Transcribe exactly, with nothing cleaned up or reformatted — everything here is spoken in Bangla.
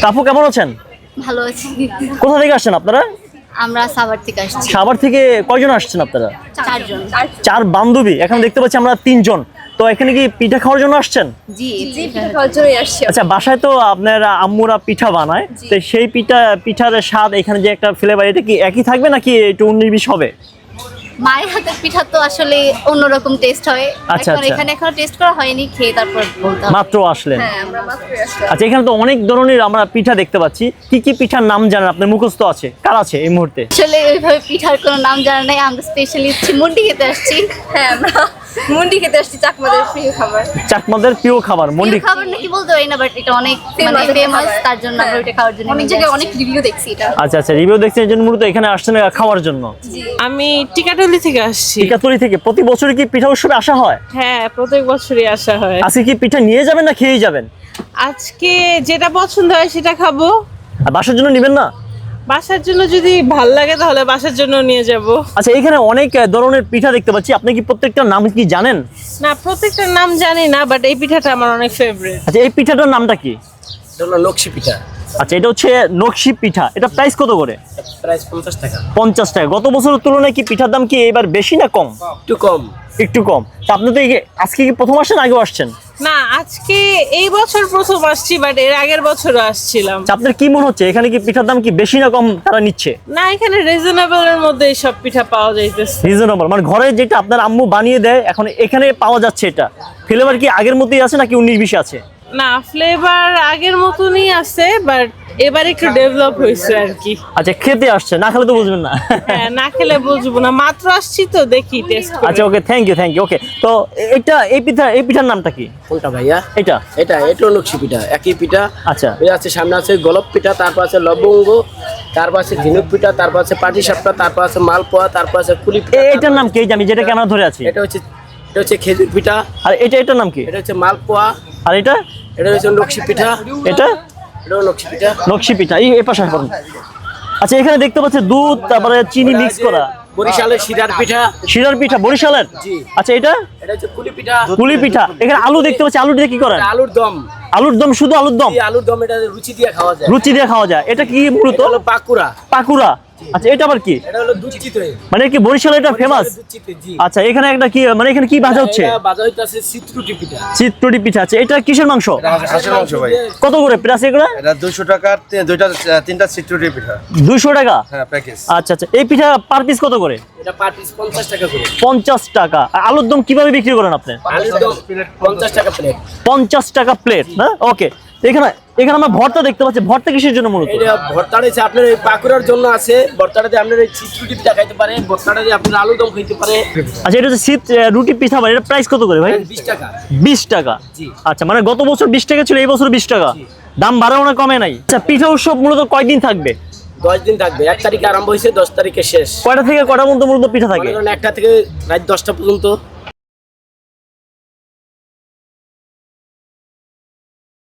আপু কেমন আছেন? ভালো আছি। কোথা থেকে আসছেন আপনারা? আমরা সাভার থেকে আসছি। সাভার থেকে কয়জন আসছেন আপনারা? চারজন। চার বান্ধবী। এখানে দেখতে পাচ্ছি আমরা তিনজন। তো এখানে কি পিঠা খাওয়ার জন্য আসছেন? জি জি পিঠা খাওয়ার জন্যই আসছি। আচ্ছা, বাসায় তো আপনার আম্মুরা পিঠা বানায়, তো সেই পিঠা পিঠার স্বাদ এখানে যে একটা ফ্লেভার, এটা কি একই থাকবে নাকি একটু উনিশ বিশ হবে? মায়ের হাতের পিঠা তো আসলে অন্যরকম টেস্ট হয়। আচ্ছা, এখন আচ্ছা। এখানে এখনো টেস্ট করা হয়নি, খেয়ে তারপর বলতে হবে। মাত্র আসলেন? হ্যাঁ আমরা মাত্রই আসলাম। আচ্ছা, এখানে তো অনেক ধরনের আমরা পিঠা দেখতে পাচ্ছি। কি কি পিঠার নাম জানেন আপনার মুখস্থ আছে? কার আছে এই মুহূর্তে? আসলে ওইভাবে পিঠার কোনো নাম জানা নাই। আমরা স্পেশালি মুন্ডি খেতে আসছি। হ্যাঁ আমরা মুন্ডি খেতে আসছি, চাকমাদের প্রিয় খাবার। চাকমাদের প্রিয় খাবার মন্ডি। প্রিয় খাবার নাকি বলতে পারি না, বাট এটা অনেক মানে Famous ফেমাস, খাবার। তার জন্য আমরা ওইটা খাওয়ার জন্য অনেক জায়গায় অনেক রিভিউ দেখছি এটা। আচ্ছা আচ্ছা, রিভিউ দেখছেন এই জন্য মূলত এখানে আসছেন খাওয়ার জন্য। আমি টিকাটলি থেকে আসছি। টিকাতলি থেকে। প্রতি বছর কি পিঠা উৎসবে আসা হয়? হ্যাঁ, প্রত্যেক বছরই আসা হয়। আজকে কি পিঠা নিয়ে যাবেন না খেয়েই যাবেন? আজকে যেটা পছন্দ হয় সেটা খাবো। আর বাসার জন্য নেবেন না? বাসার জন্য যদি ভাল লাগে তাহলে বাসার জন্য নিয়ে যাব। আচ্ছা, এখানে অনেক ধরনের পিঠা দেখতে পাচ্ছি, আপনি কি প্রত্যেকটার নাম কি জানেন? না, প্রত্যেকটার নাম জানি না, বাট এই পিঠাটা আমার অনেক ফেভারিট। আচ্ছা, এই পিঠাটার নামটা কি? এটা হলো নকশি পিঠা। আচ্ছা, এটা হচ্ছে নকশি পিঠা। এটা প্রাইস কত করে? প্রাইস পঞ্চাশ টাকা। পঞ্চাশ টাকা। গত বছরের তুলনায় কি পিঠার দাম কি এবার বেশি না কম? একটু কম। একটু কম। তা আপনি তো এই- আজকে কি প্রথম আসছেন, আগেও আসছেন? না, আজকে এই বছর প্রথম আসছি, বাট এর আগের বছরও আসছিলাম। আচ্ছা, আপনার কি মনে হচ্ছে এখানে কি পিঠার দাম কি বেশি না কম তারা নিচ্ছে? না, এখানে রিজনেবল এর মধ্যে সব পিঠা পাওয়া যাইতেছে। রিজনেবল মানে ঘরে যেটা আপনার আম্মু বানিয়ে দেয় এখন এখানে পাওয়া যাচ্ছে। এটা ফ্লেভার কি আগের মতোই আছে নাকি উনিশ বিশ আছে? না, ফ্লেভার আগের মতনই আছে, বাট এবার একটু ডেভেলপ হয়েছে আর কি। আচ্ছা, খেতে আসছে, না খেলে তো বুঝবেন না। হ্যাঁ, না খেলে বুঝবো না, মাত্র আসছি তো দেখি টেস্ট করে। আচ্ছা, okay, thank you thank you okay. তো এটা এই পিঠা এই পিঠার নামটা কি? কোনটা ভাইয়া? এটা এটা এটাও নকশি পিঠা, একই পিঠা। আচ্ছা। এই আছে সামনে আছে গোলাপ পিঠা, তারপর আছে লবঙ্গ, তারপর আছে ঝিনুক পিঠা, তারপর আছে পাটি সাপটা, তারপর আছে মালপোয়া, তারপর আছে কুলি পিঠা। এ- এটার নাম কি? এই যে আমি যেটা ক্যামেরা ধরে আছি, এটা হচ্ছে এটা হচ্ছে খেজুর পিঠা। আর এটা এটার নাম কি? এটা হচ্ছে মালপোয়া। আর এটা এটা হচ্ছে নকশি পিঠা। এটা এটাও নকশি পিঠা। নকশি পিঠা। এই এই পাশে করুন। আচ্ছা, এখানে দেখতে পাচ্ছি দুধ তারপরে চিনি মিক্স করা বরিশালের শিরার পিঠা। শিরার পিঠা বরিশালের। জি। আচ্ছা, এটা এটা হচ্ছে কুলি পিঠা। পুলি পিঠা। এখানে আলু দেখতে পাচ্ছি, আলু দিয়ে কি করেন? এটা আলুর দম। আলুর দম, শুধু আলুর দম? এই আলুর দম এটা রুচি দিয়ে খাওয়া যায়। রুচি দিয়ে খাওয়া যায়। এটা কি মূলত? এটা হলো পাকুড়া। পাকুড়া। আচ্ছা, এটা আবার কি? এটা হলো দুধ চিতই। মানে কি বরিশালে এটা ফেমাস? দুধ চিতই, জি। আচ্ছা, এখানে একটা কি মানে এখানে কি ভাজা হচ্ছে? এটা বাজা হইতাছে চিত্রুটি পিঠা। চিত্রটি পিঠা। আছে এটা কিসের মাংস? হাঁসের মাংস ভাই। কত করে প্রাইস এগুলো? এটা দুইশো টাকার তি- দুইটা তিনটা সিটুরি পিঠা। দুইশো টাকা। হ্যাঁ, প্যাকেজ। আচ্ছা আচ্ছা, এই পিঠা পার পিস কত করে? এটা পার পিস পঞ্চাশ টাকা করে। পঞ্চাশ টাকা। আর আলুর দম কিভাবে বিক্রি করেন আপনি? আলুর দম পঞ্চাশ টাকা প্লেট। পঞ্চাশ টাকা প্লেট না? ওকে। এখানে এখানে আমরা ভর্তা দেখতে পাচ্ছি। ভর্তা কিসের জন্য মূলত? এটা ভর্তাটা হচ্ছে আপনার এই পাকুড়ার জন্য আছে। ভর্তাটাতে আপনার এই চিত্রুটি পিঠা খাইতে পারে, ভর্তাটাতে আপনার আলুর দম খাইতে পারে। আচ্ছা, এটা হচ্ছে শীত আহ, রুটি পিঠা বাড়ি। এটা প্রাইস কত করে ভাই? বিশ টাকা। বিশ টাকা। জি। আচ্ছা, মানে গত বছর বিশ টাকা ছিল, এই বছর বিশ টাকা। দাম বাড়াও না কমে নাই? আচ্ছা, পিঠা উৎসব মূলত কয়দিন থাকবে? দশ দিন থাকবে। এক তারিখে আরম্ভ হয়েছে, দশ তারিখে শেষ। কয়টা থেকে কয়টা পর্যন্ত মূলত পিঠা থাকে? মনে করেন একটা থেকে রাত দশটা পর্যন্ত।